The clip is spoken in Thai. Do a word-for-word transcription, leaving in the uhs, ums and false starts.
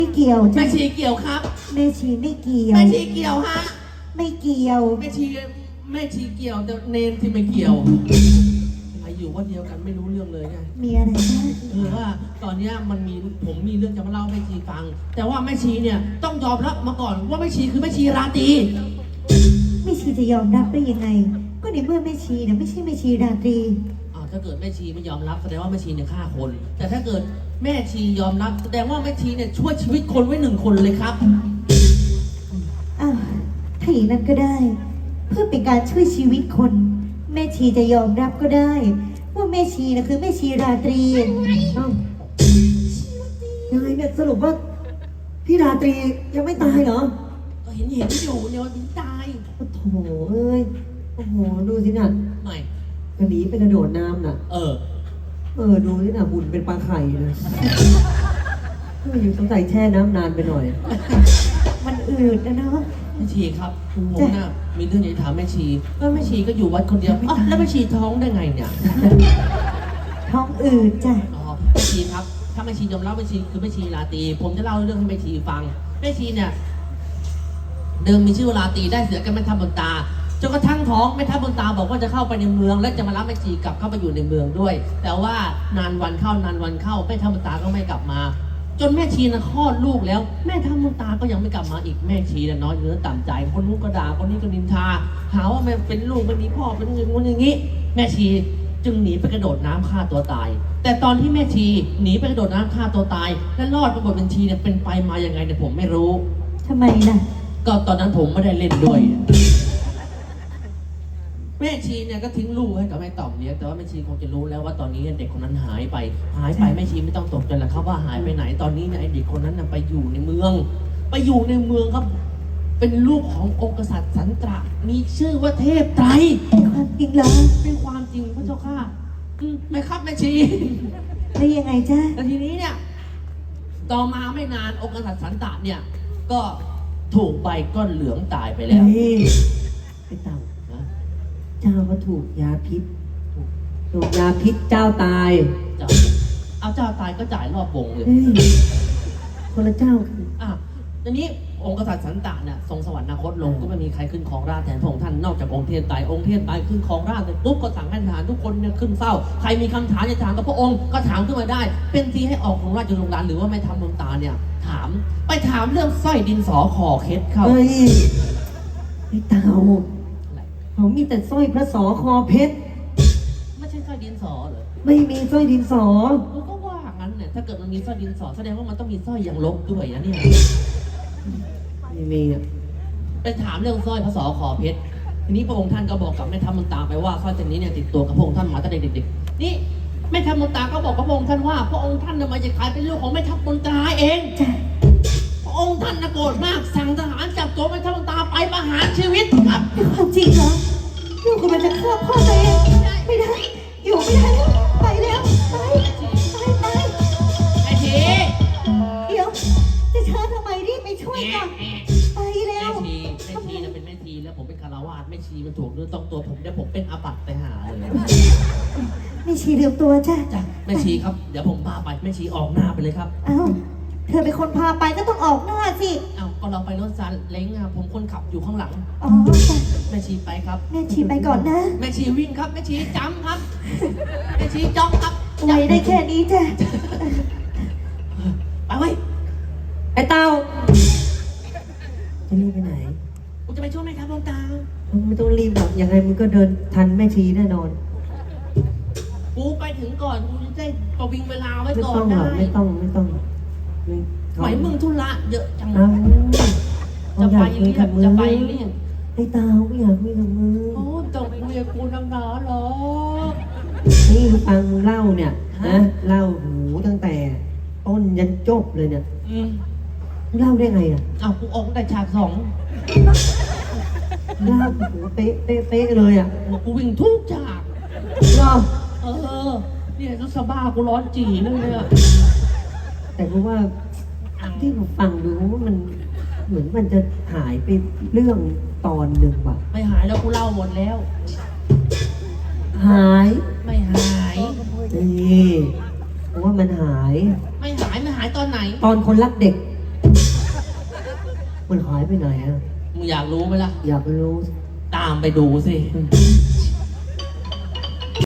ไม่เกี่ยวแม่จ้ะชีเกี่ยวครับแม่ชีไม่เกี่ยวแม่ชีเกี่ยวฮะไม่เกี่ยวแม่ชีแม่ชีเกี่ยวแต่เนนที่ไม่เกี่ยวไออยู่ว่าเดียวกันไม่รู้เรื่องเลยไงมีอะไรนะคือว่าตอนเนี้ยมันมีผมมีเรื่องจะมาเล่าให้แม่ชีฟัง แต่ว่าแม่ชีเนี่ยต้องยอมรับมาก่อนว่าแม่ชีคือแม่ชีราตรีแม่ชีจะยอมรับได้ยังไง ก็ในเมื่อแม่ชีเนี่ยไม่ใช่แม่ชีราตรีอ้าวถ้าเกิดแม่ชีไม่ยอมรับแสดงว่าแม่ชีเนี่ยฆ่าคน แต่ถ้าเกิดแม่ชียอมรับแสดงว่าแม่ชีเนี่ยช่วยชีวิตคนไว้หนึ่งคนเลยครับอ้าวถ้าอย่างนั้นก็ได้ เพื่อเป็นการช่วยชีวิตคน แม่ชีจะยอมรับก็ได้ ว่าแม่ชีนะคือแม่ชีราตรีเอ้ายังไงเนี่ยสรุปว่าพี่ราตรียังไม่ตายเหรอก็เห็นเห็นอยู่เนี่ยวันนี้ตายโอ้โถเอ้ยโอ้โหดูสิน่ะไม่กระหนีไปกระโดดน้ำน่ะเออเออดูสิน่ะหุ่นเป็นปลาไข่เลยเอออยู่สงสัยแช่น้ำนานไปหน่อยมันอืดนะเนาะแม่ชีครับผมน่ะมีเรื่องอยากจะถามแม่ชีว่าแม่ชีก็อยู่วัดคนเดียวอ๋อแล้วแม่ชีท้องได้ไงเนี่ยท้องอืดจ้ะอ๋อแม่ชีครับถ้าแม่ชียอมรับแม่ชีคือแม่ชีราตรีผมจะเล่าเรื่องให้แม่ชีฟังแม่ชีเนี่ยเดิมมีชื่อว่าราตรีได้เสือกันแม่ทัพบนตาจนกระทั่งท้องแม่ทัพบนตาบอกว่าจะเข้าไปในเมือง และจะมารับแม่ชีกลับเข้าไปอยู่ในเมืองด้วย แต่ว่านานวันเข้านานวันเข้าแม่ทัพบนตาก็ไม่กลับมา จนแม่ชีนะคลอดลูกแล้วแม่ทัพบนตาก็ยังไม่กลับมาอีกแม่ชีน่ะน้อยเนื้อต่ำใจคนนู้นก็ด่าคนนี้ก็นินทาหาว่าแม่เป็นลูกไม่มีพ่อเป็นอย่างงู้นอย่างนี้ แม่ชีจึงหนีไปกระโดดน้ำฆ่าตัวตาย แต่ตอนที่แม่ชีหนีไปกระโดดน้ำฆ่าตัวตายและรอดปรากฏเป็นชีเนี่ยเป็นไปมายังไงเนี่ยผมไม่รู้ทำไมล่ะก็ตอนนั้นผมไม่ได้เล่นด้วย แม่ชีเนี่ยก็ทิ้งลูกให้กับแม่ต่อมเลี้ยงแต่ว่าแม่ชีคงจะรู้แล้วว่าตอนนี้เด็กคนนั้นหายไป หายไปแม่ชีไม่ต้องตกใจหรอกครับว่าหายไปไหนตอนนี้เนี่ยไอ้เด็กคนนั้นน่ะไปอยู่ในเมือง ไปอยู่ในเมืองครับ เป็นลูกขององค์กษัตริย์สันตระมีชื่อว่าเทพไตรเป็นความจริงเหรอเป็นความจริงพระเจ้าค่ะอืมไม่ครับแม่ชีแล้วยังไงจ้ะแต่ทีนี้เนี่ยต่อมาไม่นานองค์กษัตริย์สันตระเนี่ย ก็ถูกใบก้อนเหลืองตายไปแล้วเฮ้ยไอ้เต่านะเจ้าก็ถูกยาพิษถูกยาพิษเจ้าตายเจ้าเอาเจ้าตายก็จ่ายรอบวงเลยเฮ้ยคนละเจ้ากันอ่ะทีนี้องค์กษัตริย์สันตะเนี่ยทรงสวรรคตลงก็ไม่มีใครขึ้นครองราชย์แทนพระองค์ท่านนอกจากองค์เทพไตรองค์เทพไตรขึ้นครองราชย์เสร็จปุ๊บก็สั่งให้ทหารทุกคนเนี่ยขึ้นเฝ้าใครมีคำถามจะถามกับพระองค์ก็ถามขึ้นมาได้ เป็นทีให้ออกของราชโรงดานหรือว่าไม่ทำดวงตาเนี่ยถามไปถามเรื่องสร้อยดินสอคอเคสเข้าเฮ้ยไอ้เต่าอะไรเขามีแต่สร้อยพระสอคอเพชรไม่ใช่สร้อยดินสอเหรอไม่มีสร้อยดินสอกูก็ว่างั้นเนี่ยถ้าเกิดมันมีสร้อยดินสอแสดงว่ามันต้องมีสร้อยอย่างลบด้วยนะเนี่ยไม่มีอ่ะไปถามเรื่องสร้อยพระสอคอเพชรทีนี้พระองค์ท่านก็บอกกับแม่ทัพมนตราไปว่าสร้อยเส้นนี้เนี่ยติดตัวกับพระองค์ท่านมาตั้งแต่เด็กๆนี่แม่ทัพมนตราก็บอกกับพระองค์ท่านว่าพระองค์ท่านน่ะมาจากใครเป็นลูกของแม่ทัพมนตราเองจ้ะพระองค์ท่านน่ะโกรธมากสั่งทหารจับตัวแม่ทัพมนตราไปประหารชีวิตครับเป็นความจริงเหรอลูกกำลังจะฆ่าพ่อตัวเองไม่ได้ อยู่ไม่ได้แล้วไปแล้วไปไปไปไอ้ทีเดี๋ยวจะช้าทำไมรีบไปช่วยก่อนไปแล้แม่วชีแม่ชีน่ะเป็นแม่ชีแล้วผมเป็นคารวาสแม่ชีมันถูกเนื้อต้องตัวผมเดี๋ยวผมเป็นอาบัติไปหาเลยไม่ชีลืมตัวจ้ะจ้ะแม่ชีครับเดี๋ยวผมพาไปแม่ชีออกหน้าไปเลยครับเอ้าเธอเป็นคนพาไปก็ต้องออกหน้าสิเอ้าก็เราไปรถซาเล้งอะผมคนขับอยู่ข้างหลังอ๋อจ้ะแม่ชีไปครับแม่ชีไปก่อนนะแม่ชีวิ่งครับแม่ชีจำครับแม่ชีจ้องครับไวได้แค่นี้จ้ะไปเว้ยไอ้เต่าจะรีบไปไหนกูจะไปช่วยแม่ทัพดวงตามึงไม่ต้องรีบหรอกยังไงมึงก็เดินทันแม่ชีแน่นอนกูไปถึงก่อนกูจะได้ประวิงเวลาไว้ไม่ก่อต้นองหรได้อกไม่ต้องไม่ต้องมึงหมายมึงธุระเยอะจังเอาจะอยาไปกคุยเรียกับกมึงจะไปเรียกไอ้เต่าไม่อยากคุยกับมึงโอ้จงคุยกับกูนังหนาเหรอนี่ฟังเล่าเนี่ยนะเล่าหูตั้งแต่ต้นยันจบเลยเนี่ยอืมเล่าได้ไงอ่ะเอากูออกแต่ฉากสองเล่าหูเป๊ะเป๊ะเป๊ะเลยอ่ะกูวิ่งทุกฉากเล่าเออเนี่ยรู้สบ้ากูร้อนจีเลยเนี่ยแต่รู้ว่าที่ผมฟังดูว่ามันเหมือนมันจะหายไปเรื่องตอนหนึ่งว่ะไม่หายแล้วกูเล่าหมดแล้วหายไม่หายนี่ผมว่ามันหายไม่หายไม่หายตอนไหนตอนคนรักเด็กมันหายไปไหนอะมึงอยากรู้ไหมล่ะอยากรู้ตามไปดูสิอืม